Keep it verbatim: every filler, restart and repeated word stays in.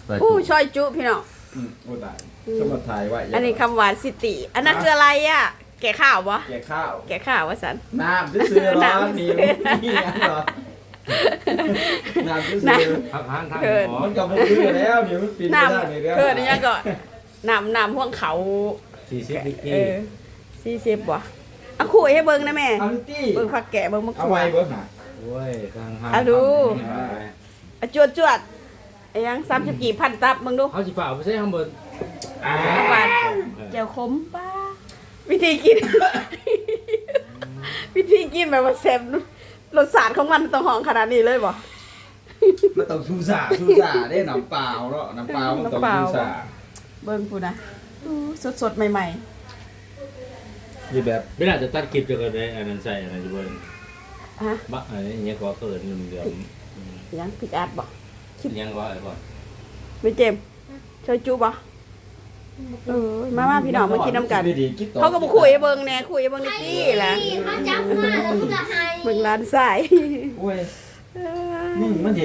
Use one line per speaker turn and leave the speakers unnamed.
อู้ช่อยจุพี่น้อง
อืมโอ้ตายสมุดถ่ายไว้
อันนี้คำหวานสิติอันนั้นคืออะไรอ่ะแกะข้าวบ่
แกะข้าว
แกะข้าวว่าสัน
น้ำซื้อๆร้อน
น้ำ
นี่นี่ยังเหรอน้ำซื้อ
น้
ทางทางทาง
เกิน
หมอ
ๆมันกับมันซื้อแล้วนี่มันปีน
น้
ไม่ได้นี่เด้
ำเกิดอันนี้ก็น้ำน้ำห่วงเขา
สี่สิบดิก
เอ
กี้
อสี่สิบบ่เอาคุยให้เบิ่งนะแม่
เอาลิตี้
เบิ่งผักแกะเบิ่งมะก
เอา
รู
ไว้
ด
เบิ้งหน่ะ
โอ้ยทางทาง
อ่ะดู
ทางไป
อ่ะจวดจวดไอ้ยังสามสิบกี่พันตับมึงดู
เอาสิฝ่าไปใช้ข้างบน
อ่า
หวานเจียวขมป้าวิธีกิน วิธีกินแบบว่าแซ่บรสชาติของมันต้องหอมขนาดนี้เลยบ่
มันต้องชูสาชูสาได้น้ำเปล่าเนาะน้ำเปล่ามันต้อง
น้ำเปล่า
ชูสา
เบิ่งพูนะสดสดๆใหม่
อยู่แบบ
ไม่น่าจะตัดคลิปจะกันได้อันนั้นใส่อะไรอยู่บน
ๆฮะ
บะอะไรอย่างเงี้ยก็เกิดเงินเดือน
ยังพิกอาร์ตบ่
คิดยังก็อะไรก่อน
ไม่เจมส์ช่วยจูบ่เออมามาพี่น้องมากินน้ำกัน
ดีๆคิดต่อ
เขาก็มาคุยให้เบิ่งแหน่คุยให้เบิ่งนิดนี่แหละ
เขาจับมาแล้วมึงก็ให้
เบิ่งร้านสาย
โอ้ยมึงมัน